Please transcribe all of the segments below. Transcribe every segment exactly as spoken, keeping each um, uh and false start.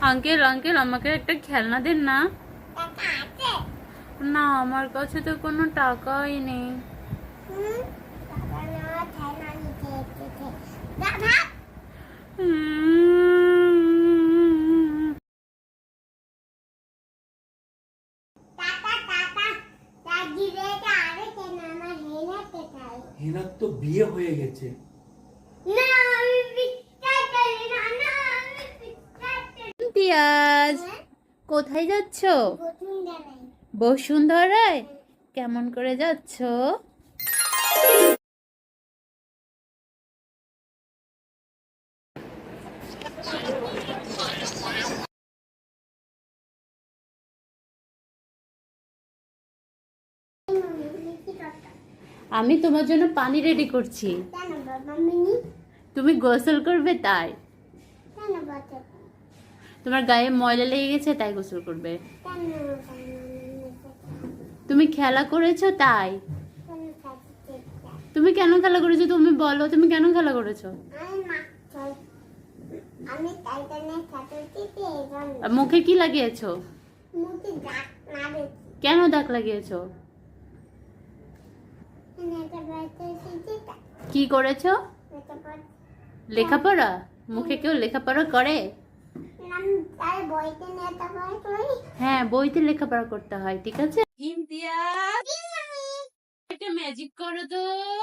Uncle uncle আমাকে একটা খেলনা দেন না। না আমার কাছে তো কোনো টাকাই নেই। হেনার তো বিয়ে হয়ে গেছে। ইমতিয়াজ, কোথায় যাচ্ছ? বসুন্ধরায়? কেমন করে যাচ্ছ? আমি তোমার জন্য পানি রেডি করছি। তুমি গোসল করবে তাই? তোমার গায়ে ময়লা লেগে গেছে তাই গোসল করবে? তুমি খেলা করেছো তাই? তুমি কেন খেলা করেছো তুমি বলো, তুমি কেন খেলা করেছো? মুখে কি লাগিয়েছো? কেন দাগ লাগিয়েছো? কি করেছো? লেখাপড়া? মুখে কেউ লেখাপড়া করে? হ্যাঁ, বইতে লেখাপড়া করতে হয়, ঠিক আছে। ইমতিয়াজ, একটা ম্যাজিক করো তো।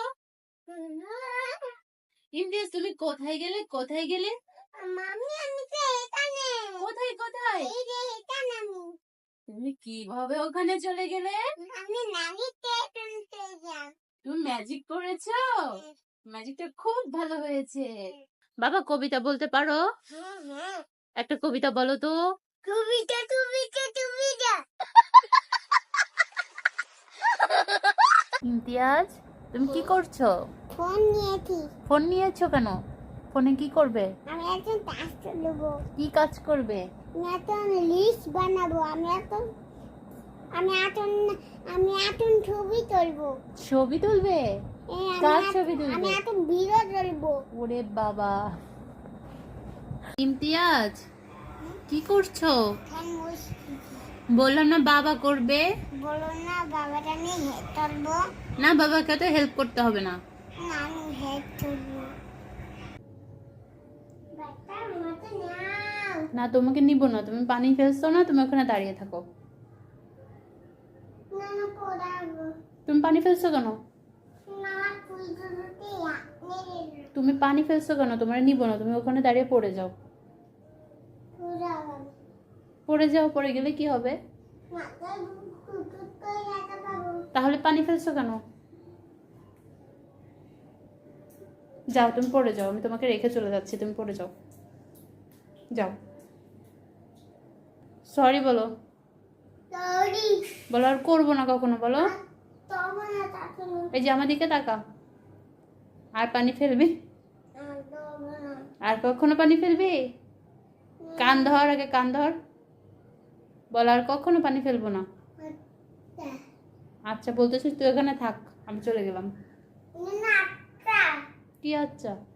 ইমতিয়াজ, তুমি কোথায় গেলে কোথায় গেলে? মামি আমি তো এখানে। কোথায় কোথায়? এই যে এখানে আমি। তুমি কিভাবে ওখানে চলে গেলে? আমি ম্যাজিক করতে যাই। তুমি ম্যাজিক করেছো? ম্যাজিকটা খুব ভালো হয়েছে। বাবা কবিতা বলতে পারো? একটা কবিতা বলো তো। কবিতা কবিতা কবিতা। ইমতিয়াজ, তুমি কি করছো? ফোন নিয়েছি। ফোন নিয়েছো কেন? ফোনে কি করবে? আমি এখন কাজ করব। কি কাজ করবে? আমি এখন লিস্ট বানাবো। আমি এখন আমি এখন আমি এখন ছবি তুলবো। ছবি তুলবে? কার ছবি তুলবে? আমি এখন ভিডিও তুলবো। ওরে বাবা। ইমতিয়াজ, কি করছো? বললাম না বাবা করবে। বলো না বাবাটা আমি হেল্প করবো। না বাবাকে তো হেল্প করতে হবে না। না আমি হেল্প করবো। না তোমাকে নিব না, তুমি পানি ফেলছো না, তুমি ওখানে দাঁড়িয়ে থাকো। তুমি পানি ফেলছো কেন? তুমি পানি ফেলছো কেন? তোমার নিব না, তুমি ওখানে দাঁড়িয়ে পড়ে যাও। পড়ে যাও, পড়ে গেলে কি হবে? তাহলে পানি ফেলছো কেন? যাও তুমি পড়ে যাও, আমি তোমাকে রেখে চলে যাচ্ছি, তুমি পড়ে যাও। যাও, সরি বলো। বলো আর করবো না কখনো, বলো। এই যে আমার দিকে তাকা। আর পানি ফেলবি? আর কখনো পানি ফেলবি? কান ধর, আগে কান ধর। বল আর কখনো পানি ফেলবো না। আচ্ছা বলতেছিস, তুই এখানে থাক, আমি চলে গেলাম। কি আচ্ছা?